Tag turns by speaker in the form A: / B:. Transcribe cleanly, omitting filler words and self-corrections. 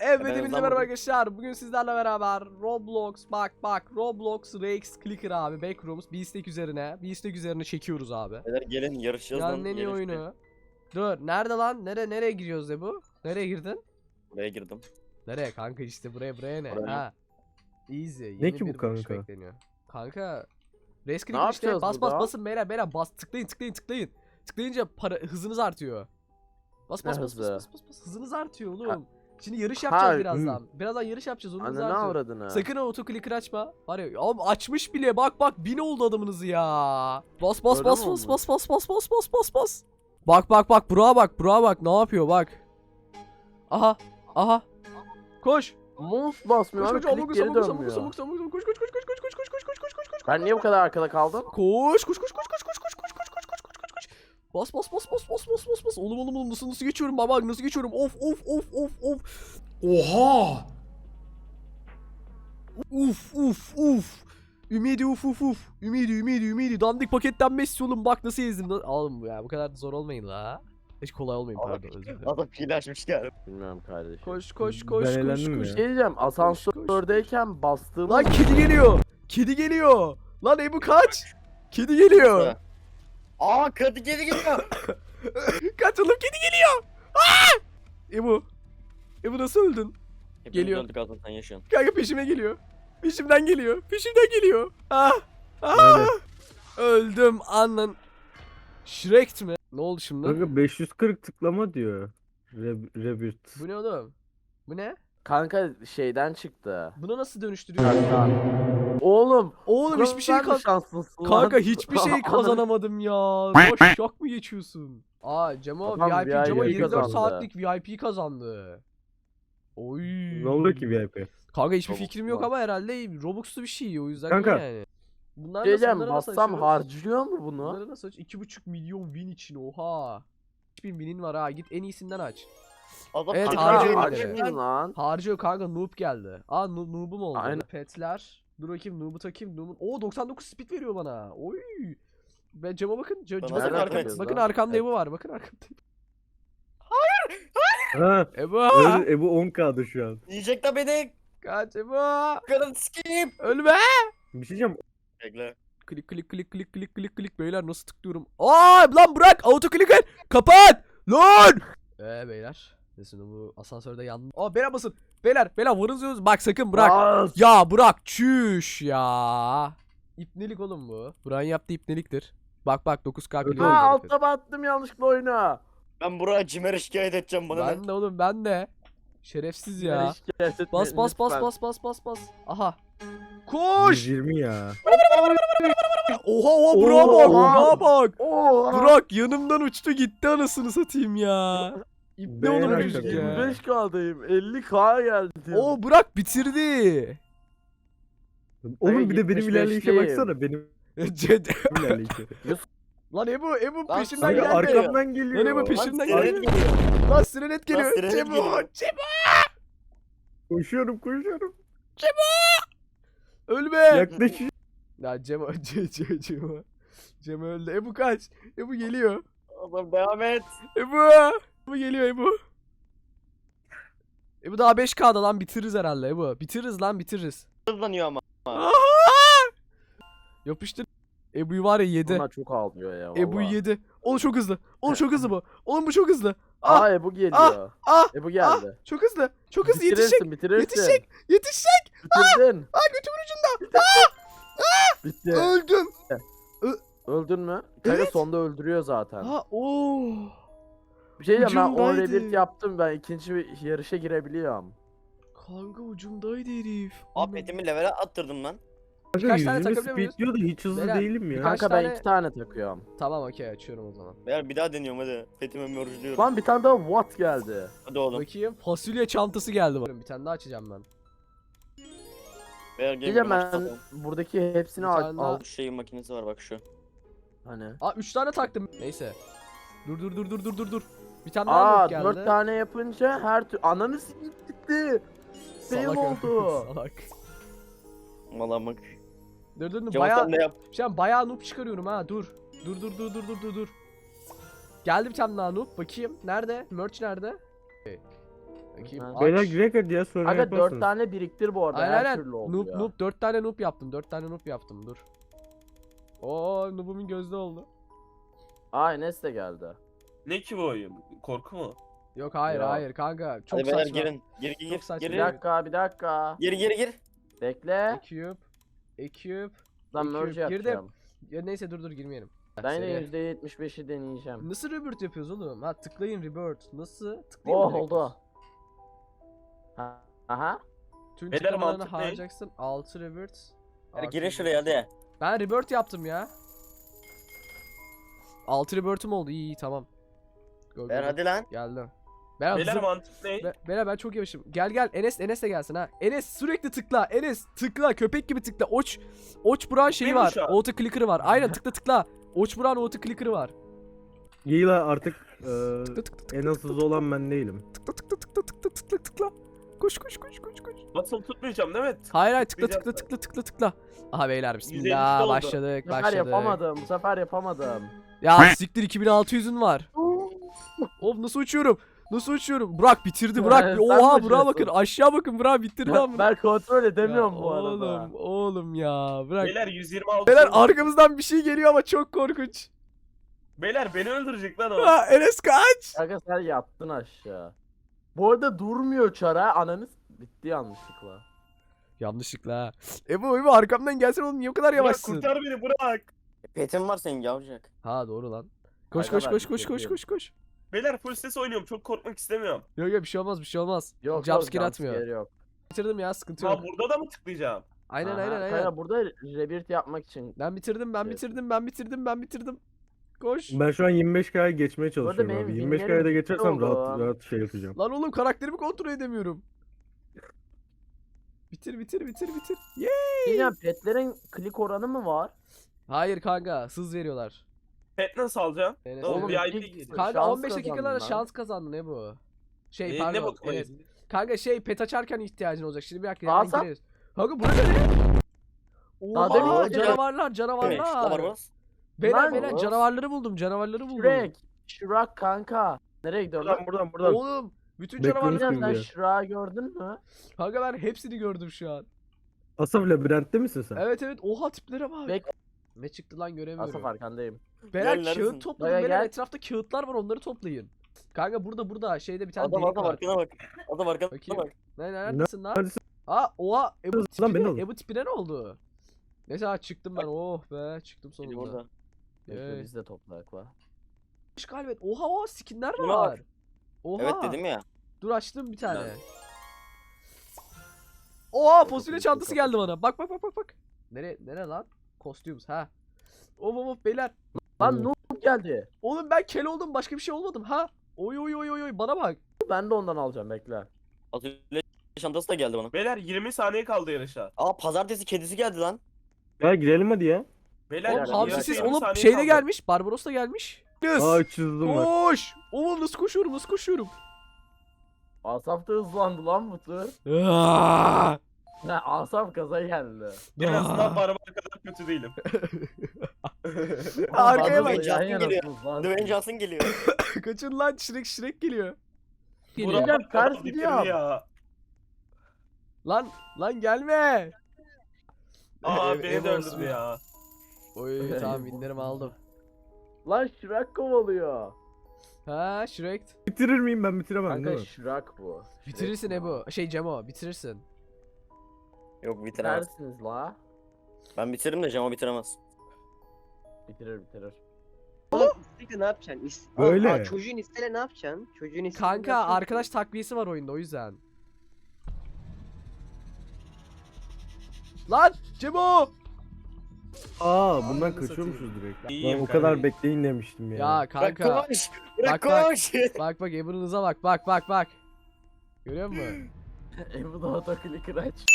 A: Evet hepinize merhaba arkadaşlar. Bugün sizlerle beraber Roblox bak Roblox Rex Clicker abi Backrooms bir istek üzerine çekiyoruz abi.
B: Beyler gelin yarışacağız lan.
A: Yani en iyi oyunu. Dur nerede lan? Nereye giriyoruz de bu? Nereye girdin?
B: Buraya girdim.
A: Nereye kanka işte buraya ne?
B: Buraya.
A: Ha. Easy.
C: Ne ki bu
A: bir vuruş
C: kanka?
A: bekleniyor. Kanka Rex
D: Ne
A: Clicker işte
D: yapacağız burada?
A: basın beyler bas tıklayın. Tıklayınca hızınız artıyor. Bas
D: Ne hızı?
A: hızınız artıyor oğlum. Şimdi yarış
D: Ha,
A: yapacağız birazdan. Birazdan yarış yapacağız onu
D: Anne ne
A: artıyor.
D: avradını?
A: Sakın o otoclicker açma. Var ya oğlum açmış bile bak 1000 oldu adamınızı ya. Bas. Bak Burak'a bak ne yapıyor bak. Aha. Koş.
D: Mouse basmıyor abi, klik geri dönmüyor.
A: Koş.
D: Ben niye bu kadar arkada kaldım?
A: Koş. Bas. Oğlum nasıl geçiyorum baba nasıl geçiyorum? Of. Oha. Uf. Ümidi uf. Ümidi. Dandik paketten Messi oğlum bak nasıl ezdim. Oğlum ya bu kadar da zor olmayın la. Hiç kolay olmayın pardon özür dilerim.
B: Adam pil açmış geldi.
D: Bilmiyorum kardeşim.
A: Koş.
C: Ben eğlendim ya.
D: Şey diyeceğim, asansördeyken bastığımız...
A: Lan kedi geliyor. Lan Ebu kaç. Kedi geliyor.
B: Aa kadı geri geliyor.
A: Kaç oğlum kedi geliyor. Ebu nasıl öldün? Geliyor.
B: Döndük Hasan sen yaşıyorsun.
A: Kanka peşimden geliyor.
C: Öyle.
A: Öldüm annen. Shrek mi? Ne oldu şimdi?
C: Kanka 540 tıklama diyor. Rebirth.
A: Bu ne oğlum? Bu ne?
D: Kanka şeyden çıktı.
A: Bunu nasıl dönüştürüyorsun?
D: Oğlum.
A: Oğlum hiçbir şey
D: sen mi şanslısın lan?
A: Kanka hiçbir şey kazanamadım ya. Şok mu geçiyorsun? Cemo
D: Adam
A: VIP Cemo
D: VIP
A: 24
D: kazandı.
A: saatlik VIP kazandı. Oy.
C: Ne oldu ki VIP?
A: Kanka hiçbir
B: Robux
A: fikrim yok
B: var.
A: ama herhalde Robux'lu bir şey o yüzden
C: Kanka.
A: yani. Bunlar
D: Diyeceğim,
A: bunları
D: bassam
A: açıyoruz?
D: harcıyor mu bunu?
A: Bunları nasıl aç? 2,5 milyon win için oha. 3000 winin var ha git en iyisinden aç.
B: Adam
A: Evet,
B: kedi
A: harcıyor
B: geliyor.
A: beni.
D: Harcıyor lan.
A: Harcıyor kanka noob geldi. Noob'um oldu.
D: Aynen.
A: Petler. Dur bakayım noob'u takayım. Oo 99 speed veriyor bana. Oy. Ben cama bakın.
B: Bana
A: Bakın,
B: nereden
D: bakıyorsun
A: bakın
D: lan?
A: arkamda Ebu var. Bakın arkamda.
C: Ha.
A: Ebu.
C: Ebu 10K'da şu an.
B: Yiyecek de beni.
A: Kaç Ebu.
B: Kadın sikeyim.
A: Ölme.
C: Bir şey diyeceğim.
B: Bekle.
A: Klik beyler nasıl tıklıyorum? Lan bırak auto clicker. Kapat. Lan. Beyler. Neyse bu asansörde yandım. Beyler basın. Beyler vurun. Bak sakın bırak.
D: Bas.
A: Ya bırak çüş ya. İpnelik oğlum bu. Burak'ın yaptığı ipneliktir. Bak 9K
C: Evet,
A: kilo
C: evet.
D: Altta battım yanlışlıkla oyuna.
B: Ben buraya Cimer'e şikayet edeceğim bana.
A: Ben de oğlum ben de. Şerefsiz ya. Bas. Aha. Koş.
C: 120 ya.
A: Oha Burak'a
D: Oha.
A: bak.
D: Oo.
A: Burak yanımdan uçtu gitti anasını satayım ya. İpne oğlum
C: Beyler,
A: çocuk ya.
D: 25K'dayım. 50K geldi.
A: Burak bitirdi.
C: Oğlum bir de benim
D: 75'liyim.
C: ilerleyişe baksana. Benim ilerleyişe.
A: Lan Ebu
B: Lan
A: peşimden
B: Hayır,
C: Kanka
A: geldi.
C: arkamdan geliyor.
A: Lan Ebu peşimden
B: Sirenet
A: geliyor.
B: geliyor.
A: Lan sirenet geliyor.
B: Lan sirenet geliyor.
A: Cemo.
C: Koşuyorum.
A: Ölme.
C: Yaklaşıyor.
A: Ya Cemo öldü. Ebu kaç. Ebu geliyor.
B: Adam devam et.
A: Ebu geliyor Ebu. Ebu daha 5K'da lan bitiririz herhalde Ebu. Bitiririz.
B: Hızlanıyor ama.
A: Aha! Yapıştır. Ebu'yu var ya yedi.
D: Bunlar çok ağlıyor ya.
A: Ebu'yu
D: vallahi.
A: yedi. Oğlum çok hızlı bu. Oğlum bu çok hızlı.
D: Aa Ebu geliyor. Ebu geldi.
A: Çok hızlı yetişecek.
D: Bitirirsin.
A: Yetişecek.
D: Bitirdin.
A: Götümün ucunda.
D: Bitti.
A: Öldüm.
D: Öldün mü? Kanka
A: Evet.
D: sonda öldürüyor zaten.
A: Oo.
D: Bir şey diyeceğim, ben 10
A: ucundaydı.
D: rebirth yaptım, ben ikinci bir yarışa girebiliyorum.
A: Kanka ucumdaydı herif.
B: Abi petimi level'e attırdım lan.
C: Kanka
A: Kaç tane
C: 120
A: takabiliyor
C: speed diyor da hiç hızlı
A: Beyler,
C: değilim ya.
A: Kaç
D: Kanka ben
A: tane-
D: 2 tane takıyorum.
A: Tamam okey açıyorum o zaman.
B: Beyler bir daha deniyorum hadi. Petime mörcülüyorum.
D: Lan bir tane daha what geldi.
B: Hadi oğlum.
A: Bakayım fasulye çantası geldi bana. Bir tane daha açacağım ben.
B: Beyler
D: Diyeceğim
B: gelin
D: ben
B: başlayalım.
D: buradaki hepsini
A: Bir tane daha-
D: al.
B: Bu şeyin makinesi var bak şu.
D: Hani.
A: 3 tane taktım. Neyse. Dur. Bir tane daha
D: Aa
A: not geldi.
D: 4 tane yapınca her türlü ananı sikip gitti. Fail
A: Salak
D: oldu.
A: Salak.
B: Malamak.
A: Dur.
B: Cevap
A: Bayağı
B: sen de yap.
A: şu an bayağı noob çıkarıyorum ha. Dur. Geldi bir tane daha noob. Bakayım. Nerede? Merch nerede? Bakayım.
D: Ha.
A: Aç.
C: Beyler girek hadi ya sonra
D: Aga 4
C: yaparsınız.
D: tane biriktir bu arada.
A: Aynen
D: Her
A: aynen.
D: türlü oldu
A: Noob
D: ya.
A: noob 4 tane noob yaptım. 4 tane noob yaptım. Dur. Oo noobumun gözde oldu.
D: Aa Enes de geldi.
E: Ne ki bu oyun? Korku mu?
A: Yok hayır
D: Ya.
A: hayır kanka. Çok
B: Hadi beyler
A: saçma.
B: girin. Gir
A: Çok saçma.
D: Bir
B: Gir.
D: dakika bir dakika.
B: Gir.
D: Bekle.
A: Eküp. Eküp.
D: Lan
A: Eküp.
D: merge
A: Girdim.
D: yapacağım.
A: Ya neyse dur girmeyelim.
D: Ben
A: Seri.
D: de %75'i deneyeceğim.
A: Nasıl rebirth yapıyoruz oğlum? Ha tıklayın rebirth. Nasıl? Tıklayayım
D: Oh
A: mı direkt?
D: oldu. Aha.
A: Tüm
E: Beyler,
A: tıklamalarını
E: mantık ne?
A: harcayacaksın. 6 rebirth.
B: Hadi
A: Artı
B: girin
A: rebirth.
B: şuraya hadi.
A: Ben rebirth yaptım ya. 6 rebirth'üm oldu. İyi tamam. Go,
B: Beyler hadi lan.
A: Geldim. Ben
E: Beyler
A: hızlı...
E: mantık ne?
A: Beyler ben çok yavaşım. Gel Enes de gelsin ha. Enes sürekli tıkla. Enes tıkla köpek gibi tıkla. Oç Buran şeyi
E: Değil mi
A: var.
E: şu an?
A: Auto clicker'ı var. Aynen tıkla. Oç Buran auto clicker'ı var.
C: Giyla artık
A: Tıkla.
C: en hızlı olan ben değilim.
A: Tıkla. Koş.
E: Basılı tutmayacağım değil mi?
A: Hayır
E: Tıklayacağım
A: tıkla. Aha beyler
E: 150
A: bismillah
E: oldu.
A: başladık.
D: Bu sefer yapamadım. Bu sefer yapamadım.
A: Ya siktir 2600'ün var. Of nasıl uçuyorum? Burak bitirdi Burak.
D: Sen
A: Oha
D: mi
A: Burak'a
D: uçuyorsun?
A: bakın. Aşağı bakın Burak bitirdi lan.
D: Ben kontrol edemiyorum
A: Ya
D: bu arada.
A: Oğlum ya bırak.
E: Beyler 126.
A: Beyler arkamızdan bir şey geliyor ama çok korkunç.
E: Beyler beni öldürecek lan o.
A: Ha, Enes kaç.
D: Aga sen yattın aşağı. Bu arada durmuyor çara. Ananız bitti yanlışlıkla.
A: Yanlışlıkla ha. Ebu arkamdan gelsen oğlum niye o kadar
E: Burak
A: yavaşsın?
E: kurtar beni Burak.
B: Petim var senin yavrucak.
A: Ha doğru lan. Koş
D: Aga
A: koş
D: ben
A: koş koş
D: bekliyorum.
A: koş koş.
E: Beyler full ses oynuyorum. Çok korkmak istemiyorum.
A: Yok bir şey olmaz.
D: Yok
A: Jumpscare atmıyor.
D: jumpscare yok.
A: Bitirdim ya sıkıntı yok.
E: Ha burada da mı tıklayacağım?
A: Aynen
D: Aha,
A: aynen.
D: Kanka burada rebirth yapmak için.
A: Ben bitirdim. Koş.
C: Ben şu an 25K'ya geçmeye
D: arada
C: çalışıyorum
D: benim
C: abi.
D: winlerim
C: 25K'ya da geçersem
D: oldu.
C: rahat şey yapacağım.
A: Lan oğlum karakterimi kontrol edemiyorum. Bitir. Yeee.
D: Yine petlerin klik oranı mı var?
A: Hayır kanka hız veriyorlar.
E: Pet nasıl alacağım?
A: Enes
E: Oğlum,
A: öyle.
E: VIP
D: ilk
E: geliyor.
A: Kanka
D: şans
A: 15 dakikalara
D: kazandın lan.
A: şans kazandı ne bu? Şey
E: Ne
A: pardon.
E: bakmayız?
A: Enes. Kanka pet açarken ihtiyacın olacak. Şimdi bir dakika
D: Alsam?
A: gireriz. Kanka bu ne?
D: Daha demin
A: Oha
D: öyle.
A: canavarlar.
B: Evet var bas.
A: Beyler
D: Lan.
A: canavarları buldum.
D: Shrek kanka. Nereye gidiyorsun lan?
C: Buradan.
A: Oğlum bütün
C: Bekliyorum.
A: canavarları.
C: Kim
D: Sen
C: diyor?
D: Shrek'i gördün mü?
A: Kanka ben hepsini gördüm şu an.
C: Asaf labirentte misin sen?
A: Evet oha tiplere bak.
D: Bek-
A: Ne çıktı lan göremiyorum.
D: Asaf arkandayım.
A: Beyler
B: Gel, neredesin?
A: kağıt topladım.
D: Gel,
A: Beyler
D: gel.
A: etrafta kağıtlar var onları toplayın. Kanka burada şeyde bir tane
B: Adam
A: delik var.
B: arkana bak. Adam arkana
A: Bakayım.
B: bak.
A: Neredesin lan?
C: Neredesin?
A: Aa oha Ebu
C: Lan beni
A: tipine,
C: alın.
A: Ebu tipine ne oldu? Neyse çıktım ben oh be çıktım
B: Biri
A: sonunda.
B: burada.
D: Bekle
A: Ee,
D: biz de toplayak la.
A: Galiba oha skinler
B: Şuna
A: var.
B: bak.
A: Oha.
B: Evet dedim ya.
A: Dur açtım bir tane.
E: Lan.
A: Oha fasulye çantası geldi bana. Bak. Nere lan? Kostümüz ha. Of beyler.
D: Lan noob geldi.
A: Oğlum ben kel oldum başka bir şey olmadım ha. Oy bana bak.
D: Ben de ondan alacağım bekle.
B: Atölye çantası da geldi bana.
E: Beyler 20 saniye kaldı yarışa.
B: Aa pazartesi kedisi geldi lan.
C: Ya girelim hadi ya.
E: Beyler
A: Oğlum
D: Beyler,
A: hamsisiz
E: yarışa 20
A: oğlum
E: saniye
A: şeyde
E: kaldı.
A: gelmiş. Barbaros da gelmiş.
C: Aa 300 hızım var.
A: Koş. Oğlum nasıl koşuyorum.
D: Asaf da hızlandı lan bu tur.
A: Aa!
D: Ha, Asaf gaza geldi.
E: En azından barbar kadar kötü değilim.
A: Arkaya
B: bak.
D: Yan
B: Justin
D: yana
B: geliyor.
D: hızlan.
B: Dwayne Johnson geliyor.
A: Kaçın lan Shrek geliyor.
D: Burak-
E: Burak
D: ters
E: kadar bitirdi
D: gidiyor.
E: ya.
A: Lan gelme.
E: Aa
A: Ev-
E: beni
A: ev
E: de
A: olsun.
E: öldürdü ya.
A: Oy tamam winlerimi aldım.
D: Lan Shrek kovalıyor.
A: Ha Shrek.
C: Bitirir miyim ben bitiremem
D: Kanka
C: değil mi?
D: Shrek bu.
A: Bitirirsin Ebu. Şey Cemo bitirirsin.
B: Yok bitiremez.
D: Bitirersiniz la.
B: Ben bitiririm de Cemo bitiremez.
D: Bitirir.
F: İsteyle ne yapacaksın?
C: Böyle.
F: Aa, çocuğun isteyle ne yapacaksın? Çocuğun isteyle ne
A: Kanka
F: yapacaksın?
A: arkadaş takviyesi var oyunda o yüzden. Lan Cemo.
C: Bundan
A: Ananı
C: kaçıyormuşuz
A: satayım.
C: direkt.
E: İyiyim
C: Lan o kadar
E: kanka.
C: bekleyin demiştim ya.
A: Ya
B: Bırak
A: kanka.
B: koş. Bırak
A: Bak.
B: koş.
A: Bak Ebu'nun hıza bak. Görüyor musun?
D: Ebu da otoklik aç.